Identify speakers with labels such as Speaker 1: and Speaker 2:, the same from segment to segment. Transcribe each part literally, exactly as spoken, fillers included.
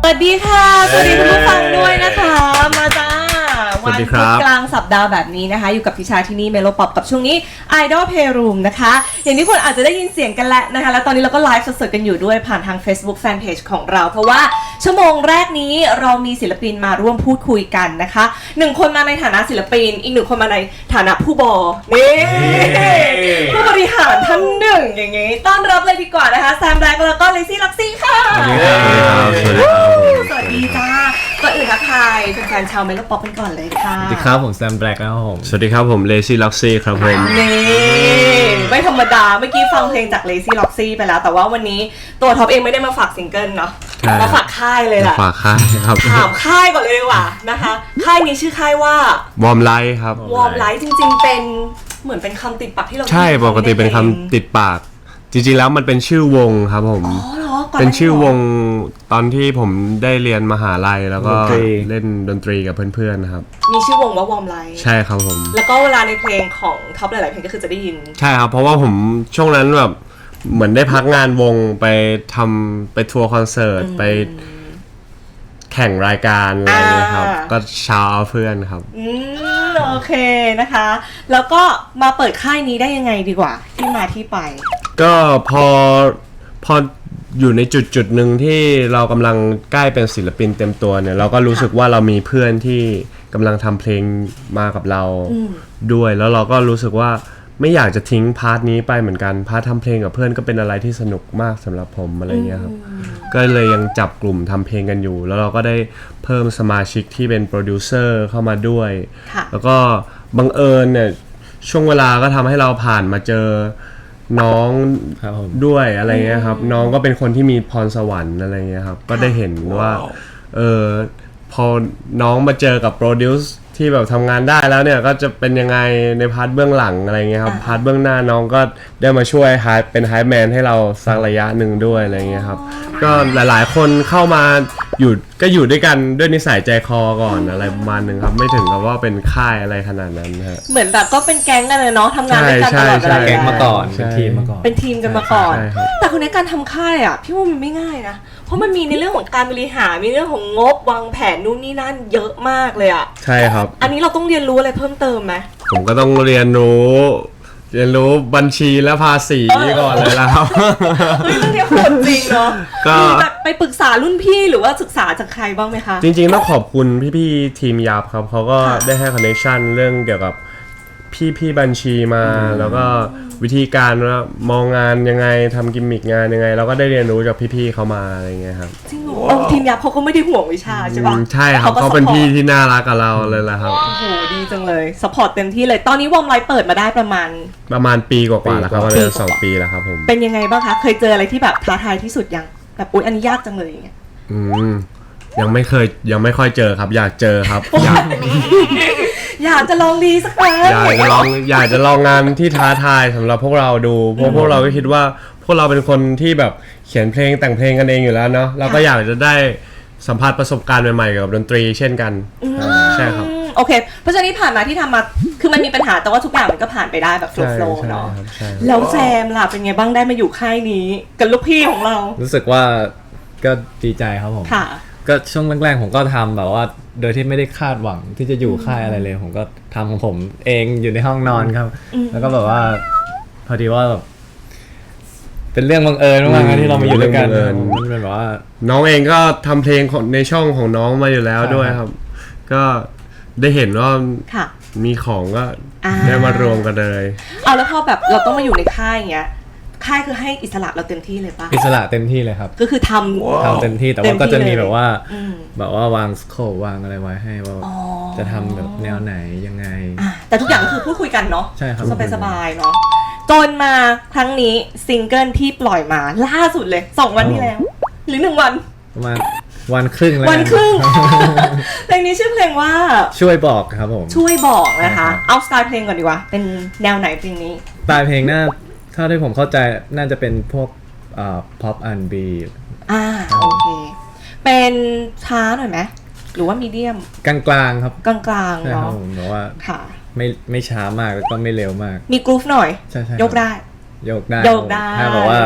Speaker 1: วัสดีค่ะสวัสดีคุณผู้ฟังด้วยนะคะมาจ้าวันพุธกลางสัปดาห์แบบนี้นะคะอยู่กับพิชาที่นี่เมโลป๊อปกับช่วงนี้ Idol Playroom นะคะอย่างที่คนอาจจะได้ยินเสียงกันแล้วนะคะแล้วตอนนี้เราก็ไลฟ์สดๆกันอยู่ด้วยผ่านทาง Facebook Fanpage ของเราเพราะว่าชั่วโมงแรกนี้เรามีศิลปินมาร่วมพูดคุยกันนะคะหนึ่งคนมาในฐานะศิลปินอีกหนึ่งคนมาในฐานะผู้บอนี่ผู้บริหารท่านหนึ่งอย่างงี้ต้อนรับเลยดีกว่านะคะแซมแบล็กแล้วก็เลซี่ล็อกซี่ค่ะสวัสดีครับสวัสดีจ้าก่อนอื่นทักทายแฟนๆชาวเมโลป๊อปกันก่อนเลยค่ะ
Speaker 2: สวัสดีครับผมแซมแบล็กนะครับผม
Speaker 3: สวัสดีครับผมเลซี่ล็อกซี่ครับผม
Speaker 1: นี่ไม่ธรรมดาเมื่อกี้ฟังเพลงจากเลซี่ล็อกซี่ไปแล้วแต่ว่าวันนี้ตัวท็อปเองไม่ได้มาฝากซิงเกิลเนาะมาฝากค่ายเลยแหละ
Speaker 3: ฝากค่ายครับ
Speaker 1: ถามค่ายก่อนเลยดีกว่านะคะค่ายนี้ชื่อค่ายว่าว
Speaker 3: อร์มไลท์ครับ
Speaker 1: วอร์มไลท์จริงๆเป็นเหมือนเป็นคำติดปากที่เรา
Speaker 3: ใช่ปกติเป็นคำติดปากจริงๆแล้วมันเป็นชื่อวงครับผมเป็นชื่อวงตอนที่ผมได้เรียนมหาลัยแล้วก็เล่นดนตรีกับเพื่อนๆครับ
Speaker 1: มีชื่อวงว่าวอร์มไลท์
Speaker 3: ใช่ครับผม
Speaker 1: แล้วก็เวลาในเพลงของท็อปหลายๆเพลงก็คือจะได้ยิน
Speaker 3: ใช่ครับเพราะว่าผมช่วงนั้นแบบเหมือนได้พักงานวงไปทำไปทัวร์คอนเสิร์ตไปแข่งรายการอะไรอย่างเงี้ยครับก็ชาวเพื่อนครับ
Speaker 1: อืมโอเคนะคะแล้วก็มาเปิดค่ายนี้ได้ยังไงดีกว่าที่มาที่ไป
Speaker 3: ก็พอพออยู่ในจุดจุดหนึ่งที่เรากำลังใกล้เป็นศิลปินเต็มตัวเนี่ยเราก็รู้สึกว่าเรามีเพื่อนที่กำลังทำเพลงมากับเราด้วยแล้วเราก็รู้สึกว่าไม่อยากจะทิ้งพาร์ทนี้ไปเหมือนกันพาร์ททำเพลงกับเพื่อนก็เป็นอะไรที่สนุกมากสำหรับผมอะไรเงี้ยครับก็เลยยังจับกลุ่มทำเพลงกันอยู่แล้วเราก็ได้เพิ่มสมาชิกที่เป็นโปรดิวเซอร์เข้ามาด้วยแล้วก็บังเอิญเนี่ยช่วงเวลาก็ทำให้เราผ่านมาเจอน้องด้วยอะไรเงี้ยครับน้องก็เป็นคนที่มีพรสวรรค์อะไรเงี้ยครับก็ได้เห็นว่าเออพอน้องมาเจอกับโปรดิวซ์ที่แบบทำงานได้แล้วเนี่ยก็จะเป็นยังไงในพาร์ทเบื้องหลังอะไรเงี้ยครับพาร์ทเบื้องหน้าน้องก็ได้มาช่วยไฮเป็นไฮแมนให้เราสักระยะหนึ่งด้วยอะไรเงี้ยครับก็หลายๆคนเข้ามาอยู่ก็อยู่ด้วยกันด้วยนิสัยใจคอก่อนอะไรประมาณนึงครับไม่ถึงกับว่าเป็นค่ายอะไรขนาดนั้นฮะ
Speaker 1: เหมือนแบบก็เป็นแก๊งกันเลยเนาะทำงานด้วยกันตลอดเวลา
Speaker 2: แก๊งมาก่อนเป็นทีมมาก่อน
Speaker 1: เป็นทีมกันมาก่อนแต่คนนี้การทำค่ายอ่ะพี่ว่ามันไม่ง่ายนะเพราะมันมีในเรื่องของการบริหารมีเรื่องของงบวางแผนนู่นนี่นั่นเยอะมากเลยอ่ะ
Speaker 3: ใช่ครับ
Speaker 1: อันนี้เราต้องเรียนรู้อะไรเพิ่มเติมไหม
Speaker 3: ผมก็ต้องเรียนรู้เรียนรู้บัญชีและภาษีก่อนเลยแล้วครับ
Speaker 1: เฮ้ยเรื่องนี้โหดจริงเนาะก็แบบไปปรึกษารุ่นพี่หรือว่าศึกษาจากใครบ้างไหมคะ
Speaker 3: จริงๆต้องขอบคุณพี่ๆทีมยับครับเขาก็ได้ให้คอนเนคชั่นเรื่องเกี่ยวกับพี่ๆบัญชีมาแล้วก็วิธีการว่ามองงานยังไงทำกิมมิคงานยังไงเราก็ได้เรียนรู้จากพี่ๆเขามาอะไรเงี้ยครับ
Speaker 1: จริงเหรอทีมยับเขาก็ไม่ได้ห่วงวิชาใช่ปะ
Speaker 3: ใช่ครับเขาเป็นพี่ที่น่ารักกับเราเลยแหละครับ
Speaker 1: โอ้โหดีจังเลยสปอร์ตเต็มที่เลยตอนนี้วอร์มไลท์เปิดมาได้ประมาณ
Speaker 3: ประมาณปีกว่าๆแล้วครับประมาณสองปีแล้วครับผม
Speaker 1: เป็นยังไงบ้างคะเคยเจออะไรที่แบบท้าทายที่สุดยังแบบอุ๊ยอันนี้ยากจังเลยอย่างเงี้ย
Speaker 3: อืมยังไม่เคยยังไม่ค่อยเจอครับอยากเจอครับอยาก
Speaker 1: อยากจะลองดีสักครั้ง
Speaker 3: อยากจะลองอยากจะลองงานที่ท้าทายสำหรับพวกเราดูเพราะพวกเราก็คิดว่าพวกเราเป็นคนที่แบบเขียนเพลงแต่งเพลงกันเองอยู่แล้วเนาะเราก็อยากจะได้สัมผัสประสบการณ์ใหม่ๆกับดนตรีเช่นกันใช่ครับ
Speaker 1: โอเคเพราะฉะนั้นที่ผ่านมาที่ทำมาคือมันมีปัญหาแต่ว่าทุกอย่างมันก็ผ่านไปได้แบบโฟล์ๆเนาะแล้วแซมล่ะเป็นไงบ้างได้มาอยู่ค่ายนี้กับลูกพี่ของเรา
Speaker 2: รู้สึกว่าก็ดีใจครับผม
Speaker 1: ค่ะ
Speaker 2: ก็ช่วงแรกๆผมก็ทำแบบว่าโดยที่ไม่ได้คาดหวังที่จะอยู่ค่ายอะไรเลยผมก็ทำของผมเองอยู่ในห้องนอนครับแล้วก็แบบว่าพอดีว่าแบบเป็นเรื่องบังเอิญมากๆที่เรามาอยู่ด้วยกันมันเป็นแบบว่า
Speaker 3: น้องเองก็ทำเพลงในช่องของน้องมาอยู่แล้วด้วยครับก็ได้เห็นว่ามีของก็ได้มารวมกันเลย
Speaker 1: เอาแล้วพอแบบเราต้องมาอยู่ในค่ายอย่างเงี้ยค่ายคือให้อิสระเราเต็มที่เลยป่ะ
Speaker 2: อิสระเต็มที่เลยครับ
Speaker 1: ก็คือทำ
Speaker 2: ทำเต็มที่แต่ว่าก็จะมีแบบว่าแบบว่าวางสโคปวางอะไรไว้ให้ว่าจะทำแบบแนวไหนยังไง
Speaker 1: แต่ทุกอย่างก็คือพูดคุยกันเนาะ
Speaker 2: ใช่ครับ
Speaker 1: สบายๆเนาะจนมาครั้งนี้ซิงเกิลที่ปล่อยมาล่าสุดเลยสองวันที่แล้วหรือหนึ่งวัน
Speaker 2: ประมาณวันครึ่งแล้ว
Speaker 1: วันครึ่งเพลงนี้ชื่อเพลงว่า
Speaker 2: ช่วยบอกครับผม
Speaker 1: ช่วยบอกนะคะเอาสไตล์เพลงก่อนดีกว่าเป็นแนวไหนเพลงนี้
Speaker 2: สไตล์เพลงน่าถ้าที่ผมเข้าใจน่าจะเป็นพวกอ่า pop อาร์ แอนด์ บี
Speaker 1: อ่าโอเคเป็นช้าหน่อยไหมหรือว่ามีเดียม
Speaker 2: กลางๆครับ
Speaker 1: กลางๆเนาะ
Speaker 2: ผมบอกว่า
Speaker 1: ค่ะ
Speaker 2: ไม่ไม่ช้ามากแล้วก็ไม่เร็วมาก
Speaker 1: มีกรูฟหน่อย
Speaker 2: ใช่
Speaker 1: ยกได้
Speaker 2: ยกได้
Speaker 1: ยกได้
Speaker 2: ถ้าบอกว่า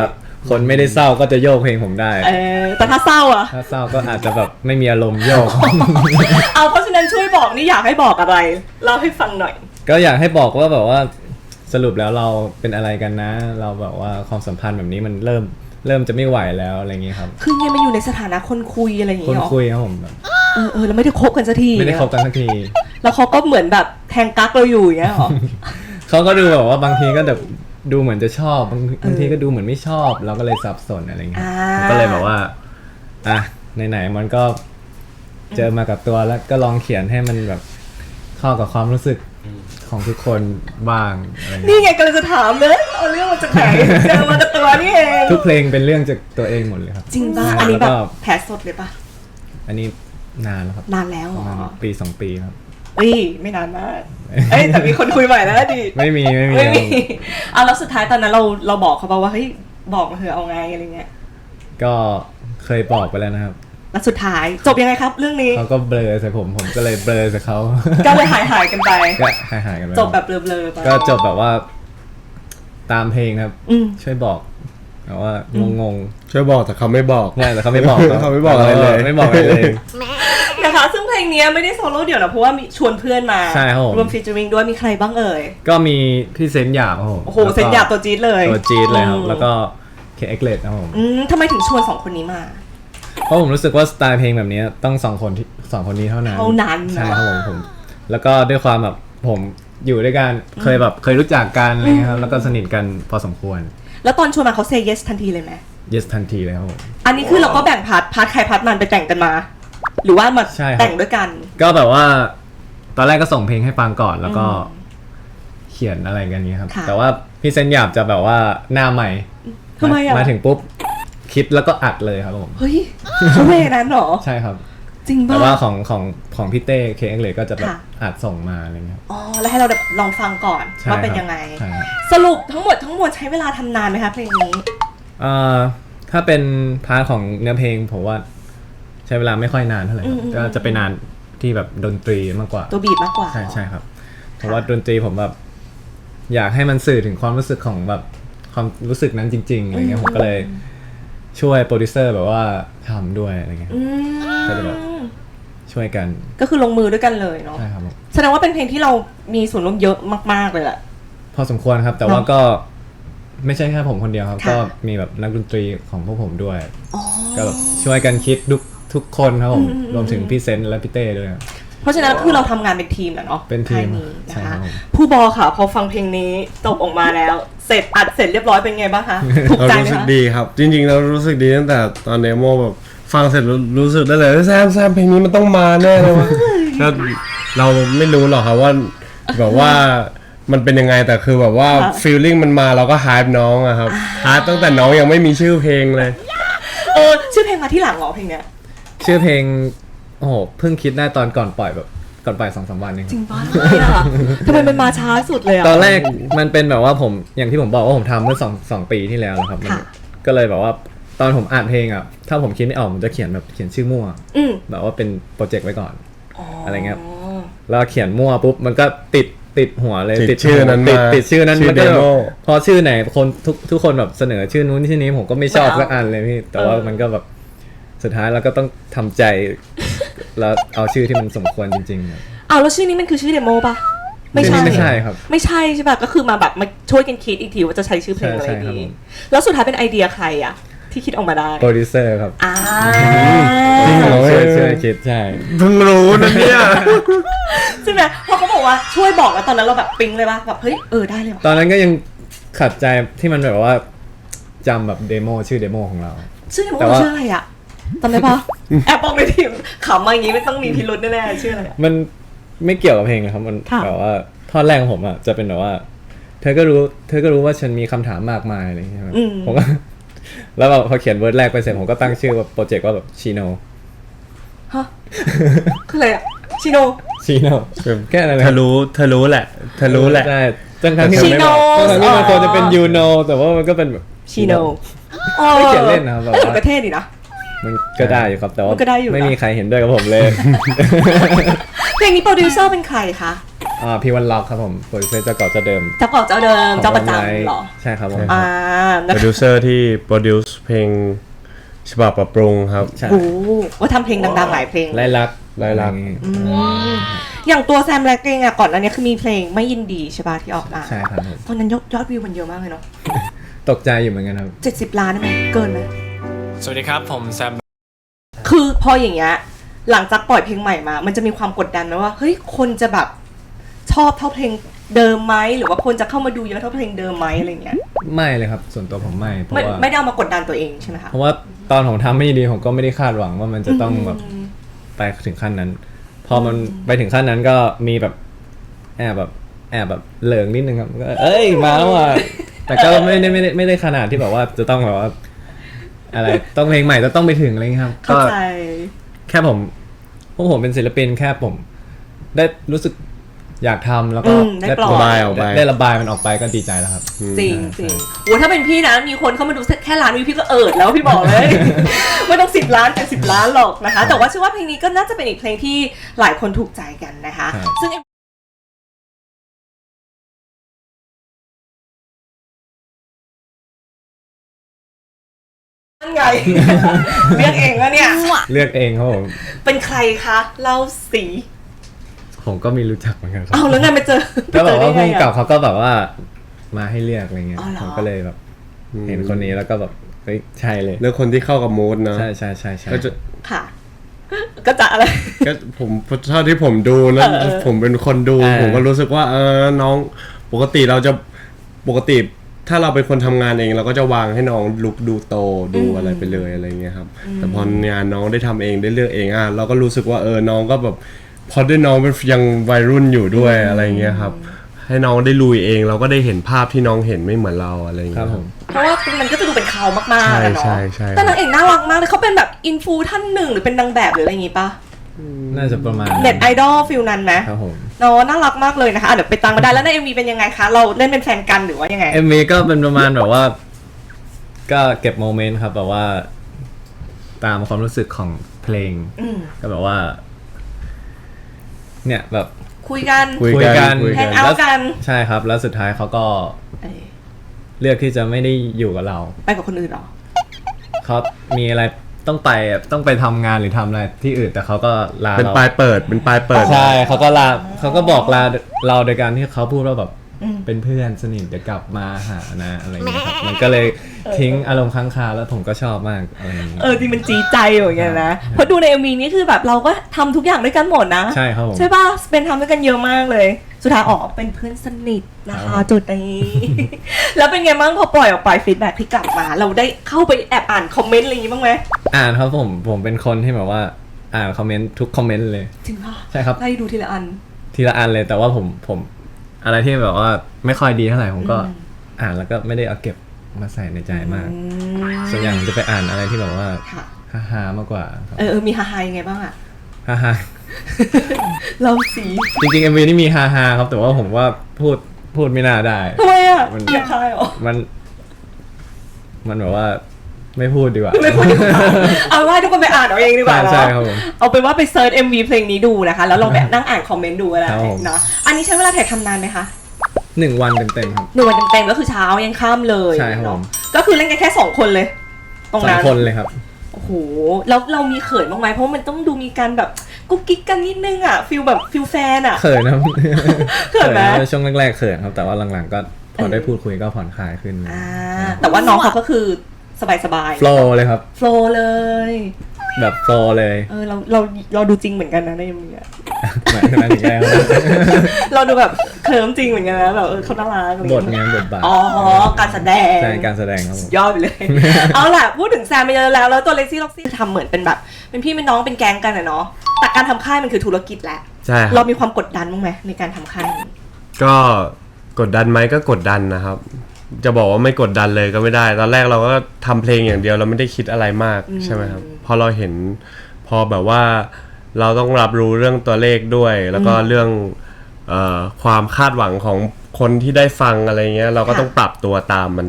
Speaker 2: คนไม่ได้เศร้าก็จะโยกเพลงผมได้
Speaker 1: เออแต่ถ้าเศร้าอะ
Speaker 2: ถ้าเศร้าก็อาจจะแบบไม่มีอารมณ์โยก
Speaker 1: เอาเพราะฉะนั้นช่วยบอกนี่อยากให้บอกอะไรเล่าให้ฟังหน่อย
Speaker 2: ก็อยากให้บอกว่าแบบว่าสรุปแล้วเราเป็นอะไรกันนะ เราแบบว่าความสัมพันธ์แบบนี้มันเริ่มเริ่มจะไม่ไหวแล้วอะไรอย่างงี้ครับ
Speaker 1: คือไงมันอยู่ในสถานะคนคุยอะไรอย่าง
Speaker 2: คน
Speaker 1: เงี้ยหรอ
Speaker 2: คุยครับผมแบบ
Speaker 1: เออเออแล้วไม่ได้คบกันสักที
Speaker 2: ไม่ได้คบกันสักที
Speaker 1: แล้วเขาก็เหมือนแบบแทงกั๊กเราอยู่อย่างเงี้ยหรอ
Speaker 2: เขาก็ดูแบบว่าบางทีก็แบบดูเหมือนจะชอบบางบางทีก็ดูเหมือนไม่ชอบ เราก็เลยสับสนอะไรอย่างเงี้ย
Speaker 1: อ่า
Speaker 2: ก็เลยแบบว่าอ่ะไหนๆมันก็เจอมากับตัวแล้วก็ลองเขียนให้มันแบบเข้ากับความรู้สึกของทุกคนบ้างอะไรอย่าง
Speaker 1: นี่
Speaker 2: เงี้ย
Speaker 1: ไงกำลังจะถามเลยเอาเรื่องมาจากไหนเจอมาจากตัวนี่เอง
Speaker 2: ทุกเพลงเป็นเรื่องจากตัวเองหมดเลยครับ
Speaker 1: จริงป่ะ
Speaker 2: ใช่
Speaker 1: อันนี้
Speaker 2: แล้ว
Speaker 1: แบ
Speaker 2: ก็
Speaker 1: บแผลสดเลยป่ะ
Speaker 2: อันนี้นานแล้วครับ
Speaker 1: นานแล้วเห
Speaker 2: ป
Speaker 1: ร
Speaker 2: ระ
Speaker 1: อ
Speaker 2: มาณปีสองปีครับ
Speaker 1: เอ้ยไม่นานมากเอ้ยแต่มีคนคุยใหม่แล้วดิ
Speaker 2: ไม่มีไม่มี
Speaker 1: ไม่มีเอาแล้วสุดท้ายตอนนั้นเราเราบอกเขาป่ะว่าเฮ้ยบอกมาเถอะเอาไงอะไรเงี้ย
Speaker 2: ก็เคยบอกไปแล้วนะครับ
Speaker 1: แล้วสุดท้ายจบยังไงครับเรื่องนี้
Speaker 2: เขาก็เบลอใส่ผมผมก็เลยเบลอใส่เขา
Speaker 1: ก็เลยหายหายๆกันไป
Speaker 2: ก็หายหายๆกันไป
Speaker 1: จบแบบเบลอๆไป
Speaker 2: ก็จบแบบว่าตามเพลงครับ
Speaker 1: อืม
Speaker 2: ช่วยบอกแบบว่างง
Speaker 3: ช่วยบอกแต่เขาไม่บอก
Speaker 2: ๆใช่แต่เขาไม่บอก
Speaker 3: เขาไม่บอกอะไรเลย
Speaker 2: ไม่บอกอะไรเลย
Speaker 1: นะคะซึ่งเพลงนี้ไม่ได้โซโล่เดี่ยวนะเพราะว่ามีชวนเพื่อนมา
Speaker 2: ใช่ครับผม
Speaker 1: รวมฟีเจอริงด้วยมีใครบ้างเอ่ย
Speaker 2: ก็มีพี่เซนหยาบครับผม
Speaker 1: โอ้โห
Speaker 2: แล้วก็
Speaker 1: เซนหยาบตัวจี๊ดเลย
Speaker 2: ตัวจี๊ดเลยครับ
Speaker 1: อืม
Speaker 2: แล้วก็เคเอ็กเลดครับผม
Speaker 1: อืมทำไมถึงชวนสองคนนี้มา
Speaker 2: เพราะผมรู้สึกว่าสไตล์เพลงแบบนี้ต้องสองคนที่สองคนนี้เท่านั้น
Speaker 1: เท่านั้น
Speaker 2: ใช่
Speaker 1: เนอะ
Speaker 2: ครับผมผม แล้วก็ด้วยความแบบผมอยู่ด้วยกันเคยแบบเคยรู้จักกันอะไรเงี้ยครับแล้วก็สนิทกันพอสมควร
Speaker 1: แล้วตอนชวนมาเขาเซย์เยสทันทีเลยไหม
Speaker 2: yes ทันทีเลยครับผม
Speaker 1: อันนี้คือเราก็แบ่งพาร์ทพาร์ทใครพาร์ทมันไปแต่งกันมา หรือว่ามา
Speaker 2: ใช่ครับ
Speaker 1: แต่งด้วยกัน
Speaker 2: ก็แบบว่าตอนแรกก็ส่งเพลงให้ฟังก่อนแล้วก็เขียนอะไรกันนี้ครับ
Speaker 1: ค่ะ
Speaker 2: แต่ว่าพี่เซนหยาบจะแบบว่าหน้าใหม่
Speaker 1: ทำไมอ่ะ
Speaker 2: มาถึงปุ๊บคิดแล้วก็อัดเลยครับผม
Speaker 1: เฮ้ยเขาเวนั้นเหรอ
Speaker 2: ใช่ครับ
Speaker 1: จริง
Speaker 2: แต่
Speaker 1: ป่ะ
Speaker 2: ว่าของของของพี่เต้เคเอ็กเลยก็จะแบบ
Speaker 1: ค่ะ
Speaker 2: อัดส่งมาอะไรเงี้ย
Speaker 1: อ๋อแล้วให้เราแบบลองฟังก่อน
Speaker 2: ใช่
Speaker 1: ว่าเป็น
Speaker 2: ครับ
Speaker 1: ยังไง
Speaker 2: ใช่ครับ
Speaker 1: สรุปทั้งหมดทั้งมวลใช้เวลาทำนานไหมคะเพลงนี้
Speaker 2: เอ่อถ้าเป็นพาร์ทของเนื้อเพลงผมว่าใช้เวลาไม่ค่อยนานเท่าไหร่ครับ
Speaker 1: อืม
Speaker 2: ก็จะไปนานที่แบบดนตรีมากกว่า
Speaker 1: ตัวบีบมากกว่า
Speaker 2: ใช่ใช่ครับ เพราะว่าดนตรีผมแบบอยากให้มันสื่อถึงความรู้สึกของแบบความรู้สึกนั้นจริงๆอะไรเงี้ยผมก็เลยช่วยโปรดิวเซอร์แบบว่าทำด้วยอะไรเงี้ย
Speaker 1: อืม
Speaker 2: ก็เลยแบบ ช่วยกัน
Speaker 1: ก็คือลงมือด้วยกันเลยเนาะ
Speaker 2: ใช่ครับผม
Speaker 1: แสดงว่าเป็นเพลงที่เรามีส่วนร่วมเยอะมากๆเลยแหละ
Speaker 2: พอสมควรครับ แต่ว่าก็ไม่ใช่แค่ผมคนเดียวครับ
Speaker 1: ค่ะ
Speaker 2: ก็มีแบบนักดนตรีของพวกผมด้วย
Speaker 1: อ๋อ
Speaker 2: ก็แบบช่วยกันคิดทุกทุกคนครับผม
Speaker 1: อืม
Speaker 2: รวมถึงพี่เซนต์และพี่เต้ด้วยครับ
Speaker 1: เพราะฉะนั้นคือเราทำงานเป็นทีมแหละเนาะ
Speaker 2: เป็นทีม
Speaker 1: ค่ายนี้นะ
Speaker 2: ใช่ครั
Speaker 1: คะ
Speaker 2: บผม
Speaker 1: ผู้บอค่ะ พอฟังเพลงนี้จบออกมาแล้ว เสร็จอัดเสร็จเรียบร้อยเป็นไงบ้างคะถูก
Speaker 3: เรา
Speaker 1: ใจไหม
Speaker 3: รู้สึก
Speaker 1: คะ
Speaker 3: ดีครับ จริงๆเรารู้สึกดีตั้งแต่ตอนเดโมแบบฟังเสร็จรู้รู้สึกได้เลยแซมแซมเพลงนี้มันต้องมาแน่เลยวะแล้วเราไม่รู้หรอกครับว่าแบบว่ามันเป็นยังไงแต่คือแบบว่า
Speaker 1: ค่ะ
Speaker 3: ฟีลลิ่งมันมาเราก็ฮายน้องอะครับฮายตั้งแต่น้องยังไม่มีชื่อเพลงเลย
Speaker 1: เออชื่อเพลงมาที่หลังเหรอเพลงเนี้ย
Speaker 2: ชื่อเพลงโอ้โหเพิ่งคิดได้ตอนก่อนปล่อยแบบก่อนปล่อยสองสามวันเอง
Speaker 1: จริงปะทำไมอะทำไมมันมาช้าสุดเลยอะ
Speaker 2: ตอนแรกมันเป็นแบบว่าผมอย่างที่ผมบอกว่าผมทำเมื่อสองสองปีที่แล้วนะครับมัน
Speaker 1: ค่ะ
Speaker 2: ก็เลยแบบว่าตอนผมอ่านเพลงอ่ะถ้าผมคิดไม่ออกผมจะเขียนแบบเขียนชื่อมั่ว
Speaker 1: อืม
Speaker 2: แบบว่าเป็นโปรเจกต์ไว้ก่อน
Speaker 1: อ๋ออ
Speaker 2: อะไรเงี้ย แล้วเขียนมั่วปุ๊บมันก็ติดติดหัวเลย
Speaker 3: ติดชื่อนั้น
Speaker 2: ติด
Speaker 3: มา
Speaker 2: ติดชื่อนั้น
Speaker 3: ชื่อ
Speaker 2: มันก็แบบ
Speaker 3: demo
Speaker 2: พอชื่อไหนคนทุกทุกคนแบบเสนอชื่อนู้นชื่อนี้ผมก็ไม่ชอบ
Speaker 1: ไม่เอา
Speaker 2: สักอันเลยพี่แต่ว่า
Speaker 1: เออ
Speaker 2: มันก็แบบสุดท้ายเราก็ต้องทำใจ แล้วเอาชื่อที่มันสมควรจริงๆ
Speaker 1: อ้าวแล้วชื่อนี้มันคือชื่อเดโมปะ
Speaker 2: ชื่อนี้ไม่ใช่ครับ
Speaker 1: ไม่ใช่ใช่ปะก็คือมาแบบมาช่วยกันคิดอีกทีว่าจะใช้ชื่อเพลงอะไร
Speaker 2: ใช่ใช่ครับ
Speaker 1: ดี
Speaker 2: ผม
Speaker 1: แล้วสุดท้ายเป็นไอเดียใครอะที่คิดออกมาได้
Speaker 2: โปรดิวเซอร์ครับ
Speaker 1: อ่า
Speaker 3: จริงเหรอ
Speaker 2: ช่วยช่วยคิดใช่
Speaker 3: เพิ่งรู้นะเนี่ย
Speaker 1: ใช่ไหมพอเขาบอกว่าช่วยบอกแล้วตอนนั้นเราแบบปิ๊งเลยปะแบบเฮ้ยเออได้เลย
Speaker 2: ต
Speaker 1: วะ
Speaker 2: อนนั้นก็ยังขัดใจที่มันแบบว่าจำแบบเดโมชื่อเดโมของเรา
Speaker 1: ชื่อเดโม
Speaker 2: แต่ว่า
Speaker 1: ชื่ออะไรอะจำได้ปะแอบบอกในทีมขำมาอย่างงี้ไม่ต้องมีพิรุธแน่ๆชื่ออะไรอะ
Speaker 2: มันไม่เกี่ยวกับเพลงนะครับมัน
Speaker 1: ค่ะ
Speaker 2: แบบว่าท่อนแรกของผมอ่ะจะเป็นแบบว่า เธอก็รู้ เธอก็รู้ว่าฉันมีคำถามมากมายอะไรอย่างเงี้ยครับ
Speaker 1: อืม
Speaker 2: ผมก็ แล้วแบบพอเขียนเวิร์ดแรกไปเสร็จผมก็ตั้งชื่อว่าโปรเจกต์ว่าแบบชิโน
Speaker 1: ฮะคืออะไรอะชิโน
Speaker 2: ชิโนแค่นั้น
Speaker 3: เธอรู้เธอรู้แหละเธอรู้แหละ
Speaker 2: ใช่ทั้งทั้งที่มันไม่บอก
Speaker 1: Chino
Speaker 2: ทั้งที่มันควรจะเป็น
Speaker 1: อ๋อ
Speaker 2: ยูโนแต่ว่ามันก็เป็นแบบ
Speaker 1: ชิโน
Speaker 2: ไม่เขียนเล่นนะครับแบบ
Speaker 1: เออ
Speaker 2: ว่า
Speaker 1: ประเทศดีนะ
Speaker 2: มันก็ได้อยู่ครับแต่ว่า
Speaker 1: มันก็ได้อยู่นะ
Speaker 2: ไม่มีใครเห็นด้วยกับผมเลย
Speaker 1: ทเพลงนี้โปรดิวเซอร์เป็นใครคะ
Speaker 2: อ่าพี่วันล็อกครับผมโปรดิวเซอร์เจ้าเก่าเจ้าเดิม
Speaker 1: เจ้าเก่าเจ้าเดิมเจ้าประจำเหรอ
Speaker 2: ใช่ครับผม
Speaker 1: อ่า
Speaker 3: โป
Speaker 1: นะ
Speaker 3: รดิวเซอร์ที่โปรดิวซ์เพลงฉบับปรับปรุงครับ
Speaker 2: ใช่
Speaker 1: โอ้ว่าทำเพลงดังๆหลายเพลง
Speaker 2: ไล่ลัก
Speaker 3: ไล่ลัก
Speaker 2: อย่างงี้
Speaker 1: อย่างตัวแซมแล็กเองอะก่อนอันนี้คือมีเพลงไม่ยินดีใช่ป่ะที่ออกมา
Speaker 2: ใช่ครับผม
Speaker 1: ตอนนั้นยอดยอดวิวมันเยอะมากเลยเนาะ
Speaker 2: ตกใจอยู่เหมือนกันครับ
Speaker 1: เจ็ดสิบล้านได้ไหมเกินไหม
Speaker 2: สวัสดีครับผมแซม
Speaker 1: คือพออย่างเงี้ยหลังจากปล่อยเพลงใหม่มา มันจะมีความกดดันไหมว่าเฮ้ยคนจะแบบชอบเท่าเพลงเดิมไหมหรือว่าคนจะเข้ามาดูเยอะเท่าเพลงเดิมไหมอะไรเงี้ย
Speaker 2: ไม่เลยครับส่วนตัวผมไม่เพราะ
Speaker 1: ไม่
Speaker 2: ว่า
Speaker 1: ไม่ได้เอามากดดันตัวเองใช่ไหมคะ
Speaker 2: เพราะว่าตอนผมทำไม่ดีผมก็ไม่ได้คาดหวังว่ามันจะต้องแบบ
Speaker 1: อืม
Speaker 2: ไปถึงขั้นนั้น พอมันไปถึงขั้นนั้นก็มีแบบแอบแบบแอบแบบเหลิงนิดนึงครับก็เอ้ยมาแล้วอ่ะแต่ก็ไม่ได้ไม่ได้ไม่ได้ขนาดที่แบบว่าจะต้องแบบว่า อะไรต้องเพลงใหม่จะต้องไปถึงอะไรเงี้ยครับ
Speaker 1: เข้า
Speaker 2: ก็
Speaker 1: ใจ
Speaker 2: แค่ผมพวกผมเป็นศิลปินแค่ผม ได้รู้สึกอยากทำแล้วก็
Speaker 1: อืมได้ปล่อย
Speaker 3: ระบายออกไป
Speaker 2: ได้ระบายมันออกไปก็ดีใจแล้วครับ
Speaker 1: จริงจริงโอ้ถ้าเป็นพี่นะมีคนเข้ามาดูแค่ล้านวิวพี่ก็เอิดแล้วพี่บอกเลย ไม่ต้องสิบล้านแต่สิบล้านหรอกนะคะ แต่ว่าเชื่อว่าเพลงนี้ก็น่าจะเป็นอีกเพลงที่หลายคนถูกใจกันนะคะ
Speaker 2: ครับ
Speaker 1: ซึ่งนั่นไง เรียกเองวะเนี่ย
Speaker 2: เลือกเองครับผม
Speaker 1: เป็นใครคะเล่าสี
Speaker 2: ผมก็ไม่รู้จักเหมือนกันครั
Speaker 1: เอาแล้วไงไปเจอ
Speaker 2: ก็แบบว่า
Speaker 1: ไป
Speaker 2: พุ่ง
Speaker 1: เจอได้ไงอะ
Speaker 2: กับเขาก็แบบว่ามาให้เลือกอะไรเงี้ย
Speaker 1: อ๋อเหรอ
Speaker 2: ผมก็เลยแบบเห็นคนนี้แล้วก็แบบเฮ้ยใช่เลย
Speaker 3: เลือกคนที่เข้ากับมูดนะ
Speaker 2: ใช่ใช่ใช่ใช่
Speaker 3: ก็จะ
Speaker 1: ค่ะ ก็จะอะไร
Speaker 3: ก็ผมเท่าที่ผมดูนะ
Speaker 1: เออเออ
Speaker 3: ผมเป็นคนดู
Speaker 2: อ่า
Speaker 3: ผมก็รู้สึกว่าเออน้องปกติเราจะปกติถ้าเราเป็นคนทำงานเองเราก็จะวางให้น้องลุกดูโตดูอะไรไปเลยอะไรเงี้ยครับแต่พองานน้องได้ทำเองได้เลือกเองอ่ะเราก็รู้สึกว่าเออน้องก็แบบพอด้วยน้องเป็นยังวัยรุ่นอยู่ด้วยอะไรเงี้ยครับให้น้องได้ลุยเองเราก็ได้เห็นภาพที่น้องเห็นไม่เหมือนเราอะไร
Speaker 2: ค
Speaker 3: เงี้
Speaker 2: รับ
Speaker 3: ย
Speaker 2: ผม
Speaker 1: เพราะว่ามันก็จะดูเป็นเขามากๆ
Speaker 3: ใช่
Speaker 1: อะเนาะ
Speaker 3: ใช่ใช่
Speaker 1: แต่นางเอกน่ารักมากเลยเขาเป็นแบบอินฟูท่านหนึ่งหรือเป็นนางแบบหรืออะไรอย่างงี้ปะ
Speaker 2: น่าจะประมาณ
Speaker 1: เน็ตไอดอลฟิลนั้นไหม
Speaker 2: ครับผม
Speaker 1: เนาะน่ารักมากเลยนะคะอ่ะเดี๋ยวไปตามมาได้แล้วในเอ็มวีเป็นยังไงคะ เราเล่นเป็นแฟนกันหรือว่ายังไง
Speaker 2: เอ็มวีก็เป็นประมาณแบบว่า ก็เก็บโมเมนต์ครับแบบว่า ตามความรู้สึกของเพลง
Speaker 1: อืม
Speaker 2: ก็แบบว่า เนี่ยแบบ
Speaker 1: คุยกัน
Speaker 3: คุย
Speaker 2: คุยกัน
Speaker 3: คุย
Speaker 1: แฮ
Speaker 3: กัน
Speaker 1: งเอาท์กัน
Speaker 2: ใช่ครับ แล้วสุดท้ายเขาก็
Speaker 1: เอ้ย
Speaker 2: เลือกที่จะไม่ได้อยู่กับเรา
Speaker 1: ไปกับคนอื่นเหรอ
Speaker 2: เขามีอะไรต้องไปอ่ะต้องไปทำงานหรือทำอะไรที่อื่นแต่เขาก็ลา
Speaker 3: เป็น
Speaker 2: เรา
Speaker 3: ปลายเปิดเป็นปลายเปิด
Speaker 2: ใช่เขาก็ลาเขาก็บอกลาเราโดยการที่เขาพูดว่าแบบ
Speaker 1: อืม
Speaker 2: เป็นเพื่อนสนิทเดี๋ยวกลับมาหานะอะไรอย่างเงี้ยครับมันก็เลยทิ้งอารมณ์ค้างคาแล้วผมก็ชอบมากอะไรอย่างเงี้ย
Speaker 1: เออจริงมันจีใจอยู่อย่างเงี้ยนะ เพราะดูในเอ็มวีนี่คือแบบเราก็ทำทุกอย่างด้วยกันหมดนะ
Speaker 2: ใช่ครับผม
Speaker 1: ใช่ป่ะเป็นทำด้วยกันเยอะมากเลย สุดท้ายออกเป็นเพื่อนสนิทนะ
Speaker 2: ครั
Speaker 1: คะ
Speaker 2: บ
Speaker 1: จุดนี้ แล้วเป็นไงบ้างพอปล่อยออกไปฟีดแบ็ที่กลับมา เราได้เข้าไปแอบอ่านคอมเมนต์อะไรอย่างงี้บ้างไหม
Speaker 2: อ่านครับผมผมเป็นคนที่แบบว่าอ่านคอมเมนต์ทุกคอมเมนต์เลย
Speaker 1: จริงป่ะ
Speaker 2: ใช่ครับ
Speaker 1: ไล่ดูทีละอัน
Speaker 2: ทีละอันเลยแต่ว่าผมผมอะไรที่แบบว่าไม่ค่อยดีเท่าไหร่ผมก็
Speaker 1: อืม
Speaker 2: อ่านแล้วก็ไม่ได้เอาเก็บมาใส่ในใจมาก
Speaker 1: อืม
Speaker 2: ส่วนใหญ่ผมจะไปอ่านอะไรที่แบบว่า
Speaker 1: ค่ะ
Speaker 2: ฮ่าๆมากกว่าครับ
Speaker 1: เออเออมีฮาฮายังไงบ้างอะ
Speaker 2: ฮ่า
Speaker 1: เราสี
Speaker 2: ๆจริงๆ เอ็ม วี นี่มีฮ่าๆครับแต่ว่าผมว่าพูดพูดไม่น่าได้
Speaker 1: ทำไมอะ
Speaker 2: มัน
Speaker 1: อยากคายเหรอ
Speaker 2: มัน มันแบบว่าไม่พูดดีกว่า
Speaker 1: ไม่พูดดีกว่าเอาว่าทุกคนไปอ่านเอาเองดีกว่า
Speaker 2: ใช่
Speaker 1: เนาะ
Speaker 2: ครับผม
Speaker 1: เอาเป็นว่าไปเซิร์ช เอ็ม วี เพลงนี้ดูนะคะ แล้วลองแบบนั่งอ่านคอมเมนต์ดูอะไร
Speaker 2: ครับผม
Speaker 1: เนาะอันนี้ใช้เวลาถ่ายทำนานไหมคะ
Speaker 2: หนึ่งวันเต็มๆครับ
Speaker 1: หนึ่งวันเต็มๆก็คือเช้ายันค่ำเลย
Speaker 2: ใช่ครับ
Speaker 1: เนาะ
Speaker 2: ผม
Speaker 1: ก็คือเล่นกันแค่สองคนเลย ตรง
Speaker 2: สอง
Speaker 1: นั้น
Speaker 2: คนเลยครับ
Speaker 1: โอ้โหแล้วเรามีเขินบ้างไหมเพราะมันต้องดูมีการแบบกุ๊กกิ๊กกันนิดนึงอ่ะฟิลแบบฟิลแฟนอ่ะ
Speaker 2: เขินนะ
Speaker 1: เขินไหม
Speaker 2: นะช่วงแรกๆเขินครับ แต่ว่าหลังๆก็พอได้พูดคุยก็ผ่อนคลายขึ้น
Speaker 1: อ่าแต่ว่าน้องเขาก็คือสบายๆ
Speaker 2: โฟล์เลยครับ
Speaker 1: โฟลเลย
Speaker 2: แบบโฟล์เลย
Speaker 1: เออเราเราเราดูจริงเหมือนกันนะในมือ
Speaker 2: หมายถึงนั้นอีกแล้ว
Speaker 1: เราดูแบบเคลิ้มจริงเหมือนกันนะแบบเออเขาน่ารักอะไร
Speaker 2: บท
Speaker 1: เงี้ย
Speaker 2: งานบทบาท
Speaker 1: อ๋อการแสดง
Speaker 2: ใช่การแสดงครับผม
Speaker 1: ยอดไปเลย เอาล่ะพูดถึงแซมไปเยอะแล้วแล้วตัวเล็กซี่ล็อกซี่ทำเหมือนเป็นแบบ เป็นพี่เป็นน้องเป็นแก๊งกันอะเนาะแต่การทำค่ายมันคือธุรกิจแหละ
Speaker 3: ใช่ค
Speaker 1: เรา
Speaker 3: รับ
Speaker 1: มีความกดดันบ้างไหมในการทำค่ายนี้
Speaker 3: ก็กดดันไหมก็กดดันนะครับ จะบอกว่าไม่กดดันเลยก็ไม่ได้ ตอนแรกเราก็ทำเพลงอย่างเดียวเราไม่ได้คิดอะไรมากใช่ไหมครับพอเราเห็นพอแบบว่าเราต้องรับรู้เรื่องตัวเลขด้วย แล้วก็เรื่องเอ่อความคาดหวังของคนที่ได้ฟังอะไรเงี้ย เราก็ต้องปรับตัวตามมัน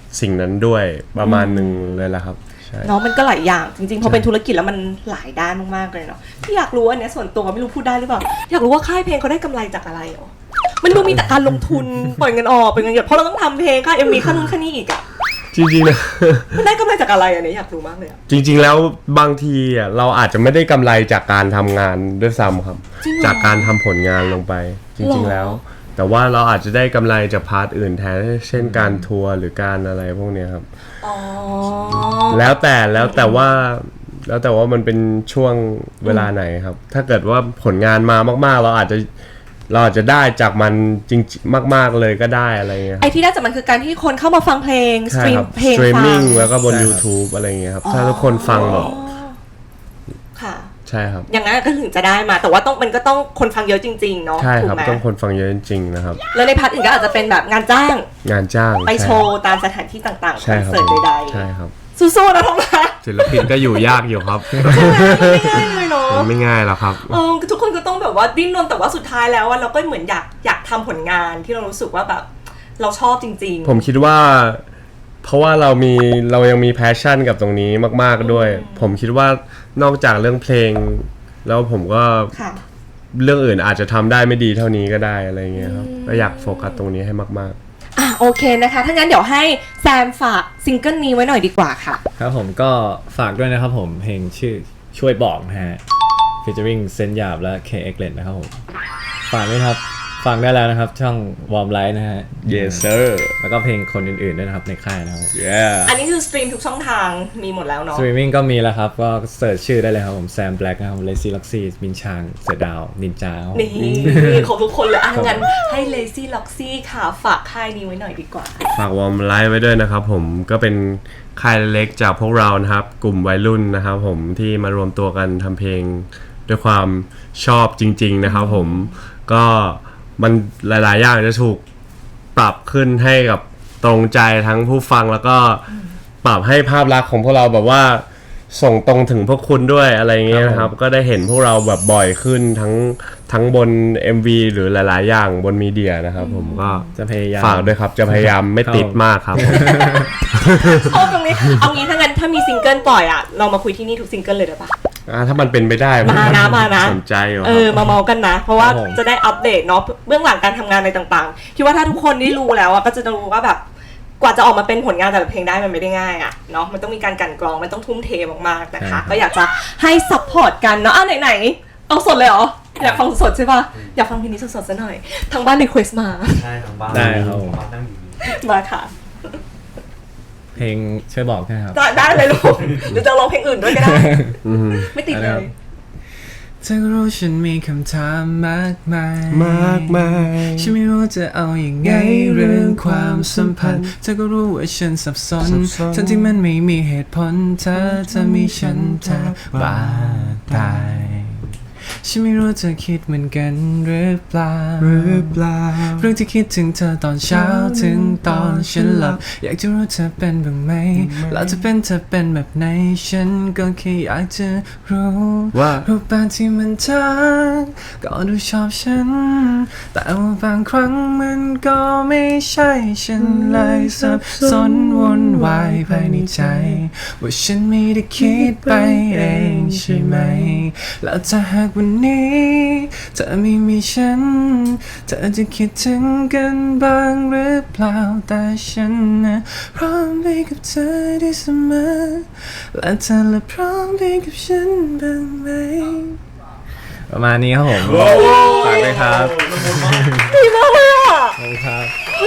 Speaker 3: สิ่งนั้นด้วยประมาณหนึ่งเลยละครับใช่
Speaker 1: เนาะมันก็หลายอย่างจริงๆพอเป็นธุรกิจแล้วมันหลายด้านมากๆเลยเนาะที่อยากรู้อันเนี้ยส่วนตัวไม่รู้พูดได้หรือเปล่าอยากรู้ว่าค่ายเพลงเขาได้กำไรจากอะไรหรอมันดูมีแต่การลงทุนปล่อยเงินออกปล่อยเงินหยดเพราะเราต้องทำเพลงค่าเอ็มวีค่านู้นค่านี้อีกอะ
Speaker 3: จริงๆนะ
Speaker 1: มันได้กำไรจากอะไรอันนี้อยากรู้มากเลยอะ
Speaker 3: จริงๆแล้วบางทีอ่ะเราอาจจะไม่ได้กำไรจากการทำงานด้วยซ้ำครับ
Speaker 1: จริงเหรอ
Speaker 3: จากการทำผลงานลงไป จริง
Speaker 1: หรอ
Speaker 3: ๆแล้ว แต่ว่าเราอาจจะได้กำไรจากพาร์ทอื่นแทนเช่นการทัวร์หรือการอะไรพวกเนี้ยครับ
Speaker 1: อ๋อ
Speaker 3: แล้วแต่แล้วแต่ว่าแล้วแต่ว่ามันเป็นช่วงเวลาไหนครับ ถ้าเกิดว่าผลงานมามากๆ เราอาจจะเราอาจจะได้จากมันจริงๆมาก ๆเลยก็ได้อะไรเงี้ย
Speaker 1: ไอที่ได้จากมันคือการที่คนเข้ามาฟังเพลงส
Speaker 3: ใช่
Speaker 1: ตรี
Speaker 3: ค
Speaker 1: ม
Speaker 3: รับ
Speaker 1: เพลง
Speaker 3: สตรีม
Speaker 1: ฟั
Speaker 3: มิ่
Speaker 1: ง
Speaker 3: งแล้วก็บน
Speaker 2: ใช่ครับ
Speaker 3: YouTube อะไรเงี้ยครับถ้าทุกคนฟังแบบ
Speaker 1: ค่ะ
Speaker 3: ใช่ครับ
Speaker 1: อย่างนั้นก็ถึงจะได้มา แต่ว่าต้องมันก็ต้องคนฟังเยอะจริงๆเนาะ
Speaker 3: ใช่
Speaker 1: ถู
Speaker 3: ค
Speaker 1: ก
Speaker 3: รับ
Speaker 1: ไหม
Speaker 3: ต้องคนฟังเยอะจริงๆนะครับ
Speaker 1: แล้วในพาร์ทอื่นก็อาจจะเป็นแบบงานจ้าง
Speaker 3: งานจ้าง
Speaker 1: ไป
Speaker 3: ใ
Speaker 1: โชว์ตามสถานที่ต่างๆค
Speaker 3: ใช่
Speaker 1: อน
Speaker 3: ครับ
Speaker 1: เสิร์ตใด
Speaker 3: ใช่ครับ
Speaker 1: ๆสู้ๆนะท้องมา
Speaker 3: ศิลปินก็อยู่ยากอยู่ครับ
Speaker 1: ไม่ง่ายเลยเนาะ
Speaker 3: มันไม่ง่ายหรอกครับ
Speaker 1: เออทุกคนก็ต้องแบบว่าดิ้นรนแต่ว่าสุดท้ายแล้วอะเราก็เหมือนอยากอยากทำผลงานที่เรารู้สึกว่าแบบเราชอบจริงๆ
Speaker 3: ผมคิดว่า เพราะว่าเรามีเรายังมีแพชชั่นกับตรงนี้มากๆด้วย ผมคิดว่านอกจากเรื่องเพลง แล้วผมก็
Speaker 1: ค่ะ
Speaker 3: เรื่องอื่นอาจจะทำได้ไม่ดีเท่านี้ก็ได้อะไรเงี้ยครับก็อยากโฟกัสตรงนี้ให้มาก
Speaker 1: อ่ะโอเคนะคะ ถ้างั้นเดี๋ยวให้แซมฝากซิงเกิลนี้ไว้หน่อยดีกว่าค่ะ
Speaker 2: ครับผมก็ฝากด้วยนะครับผมเพลงชื่อช่วยบอกนะฮะ featuring เซนหยาบและ เค เอ็กซ์ เลนนะครับผมฝากด้วยครับฟังได้แล้วนะครับช่อง Warm Light นะฮะ
Speaker 3: Yes sir
Speaker 2: แล้วก็เพลงคนอื่นๆด้วยนะครับในค่ายนะครับ
Speaker 3: yeah
Speaker 1: อันนี้คือสตรีมทุกช่องทางมีหมดแล้วเนาะ
Speaker 2: สตรีมมิ่งก็มีแล้วครับ ก็เสิร์ชชื่อได้เลยครับผมแซมแบล็กนะครับเลซี่ล็อกซี่มินชางเสือดาว นินจาครับผม
Speaker 1: นี่ขอบทุกคนเลยอ่ะงั้นให้ Lazy Loxy ค่ะฝากค่ายนี้ไว้หน่อยดีกว่า
Speaker 3: ฝากวอร์มไลฟ์ไว้ด้วยนะครับผมก็เป็นค่ายเล็กจากพวกเรานะครับ กลุ่มวัยรุ่นนะครับผมที่มารวมตัวกันทำเพลงด้วยความชอบจริง ๆนะครับผมก็มันหลาย ๆ อย่างจะถูกปรับขึ้นให้กับตรงใจทั้งผู้ฟังแล้วก็ปรับให้ภาพลักษณ์ของพวกเราแบบว่าส่งตรงถึงพวกคุณด้วยอะไรเงี้ยนะครับก็ได้เห็นพวกเราแบบบ่อยขึ้นทั้งทั้งบน เอ็ม วี หรือหลาย ๆ อย่างบนมีเดียนะครับผมก็
Speaker 2: จะพยายาม
Speaker 3: ฝากด้วยครับจะพยายามไม่ติดมากครับ
Speaker 1: ชอบตรงนี้ เอางี้ถ้างั้นถ้ามีซิงเกิลปล่อยอ่ะ เรามาคุยที่นี่ทุกซิงเกิลเลยได้ปะ
Speaker 3: อ่าถ้ามันเป็นไปได้ผ
Speaker 1: มานะมานะ
Speaker 3: สนใจอยู่ค
Speaker 1: เอ
Speaker 3: รับ
Speaker 1: อ มาเมากันนะ เพราะว่า
Speaker 2: ครับผม
Speaker 1: จะได้อัปเดตเนาะเบื้องหลังการทำงานในต่างๆ คิดว่าถ้าทุกคนได้รู้แล้วอะก็จะรู้ว่าแบบกว่าจะออกมาเป็นผลงานแต่ละเพลงได้มันไม่ได้ง่ายอะเนาะมันต้องมีการกลั่นกรองมันต้องทุ่มเทมากๆนะคะ ก็อยากจะให้ซัพพอร์ตกันเนาะอ้าวไหนๆเอาสดเลยเหรออยากฟังสดๆใช่ปะอยากฟังเพลงนี้สดๆซะหน่อยทางบ้านรีเควสมา
Speaker 4: ใช่ทางบ้าน
Speaker 2: ได้ครับผม
Speaker 4: บ้านนั่งอยู่นี่
Speaker 1: มาค่ะ
Speaker 2: เพลงช่วยบอกใช่ไหมครับ
Speaker 1: ได้ได้เลยลูกหรือจะร้องเพลงอื่นด้วยก็ได้
Speaker 3: อืม
Speaker 1: ไม่ติดเลย
Speaker 2: เธอก็รู้ฉันมีคำถามมากมาย
Speaker 3: มากมาย
Speaker 2: ฉันไม่รู้จะเอาอย่างไงเรื่องความสัมพันธ์เธอก็รู้ว่าฉันสับสน
Speaker 3: สับสน
Speaker 2: ทั้งที่มันไม่มีเหตุผลเธอจะมีฉันเธอบ้าตายฉันไม่รู้เธอคิดเหมือนกันหรือเปล่า
Speaker 3: หรือเปล่า
Speaker 2: เรื่องที่คิดถึงเธอตอนเช้าถึงตอนฉันหลับอยากจะรู้เธอเป็นบ้างไหมแล้วจะเป็นเธอเป็นแบบไหนฉันก็แค่อยากจะรู้
Speaker 3: ว่า
Speaker 2: รูปแบบที่มันทักก็ดูชอบฉัน แต่ว่าบางครั้งมันก็ไม่ใช่ฉันเลยสับสนวนวายภายในใจ ว่าฉันไม่ได้คิดไปเองใช่ไหม แล้วถ้าหากวันนี้เธอไม่มีฉัน เธอจะคิดถึงกันบ้างหรือเปล่าแต่ฉันนะพร้อมไปกับเธอได้เสมอและเธอละพร้อมไปกับฉันบ้างไหมประมาณนี้ครับผมฝากด้วยครับ
Speaker 1: ดีมากเลยอ่ะ
Speaker 2: ขอบคุณครับ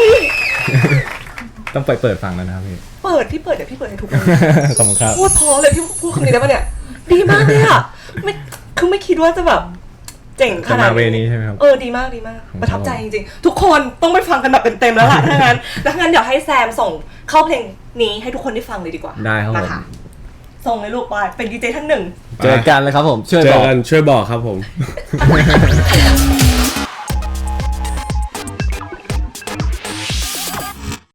Speaker 2: ต้องไปเปิดฟังแล้วนะครับพี่
Speaker 1: เปิดพี่เปิดเดี๋ยวพี่เปิดให้ทุกคน
Speaker 2: ขอบคุณครับ
Speaker 1: พูดพอเลยพี่พูดคำนี้ได้ปะเนี่ย ดีมากเลยอ่ะไม่คือไม่คิดว่าจะแบบเจ๋งข
Speaker 2: จะ
Speaker 1: นาด
Speaker 2: มาเวนี้ใช่ไหมครับ
Speaker 1: เออดีมากดีมากประทับใจจริงๆ ทุกคนต้องไปฟังกันแบบเต็มๆแล้วล่ะถ้างั้นแล้วงั้นเดี๋ยวให้แซมส่งเข้าเพลงนี้ให้ทุกคนได้ฟังเลยดีกว่า
Speaker 2: ได้ครับผม
Speaker 1: มาค่ะส่งเลยลูกไปเป็นดีเจท่านหนึ่ง
Speaker 2: เจอกันเลยครับผมช่วย
Speaker 3: เจ
Speaker 2: บ
Speaker 3: อ
Speaker 2: อก
Speaker 3: กันช่วยบอกครับผม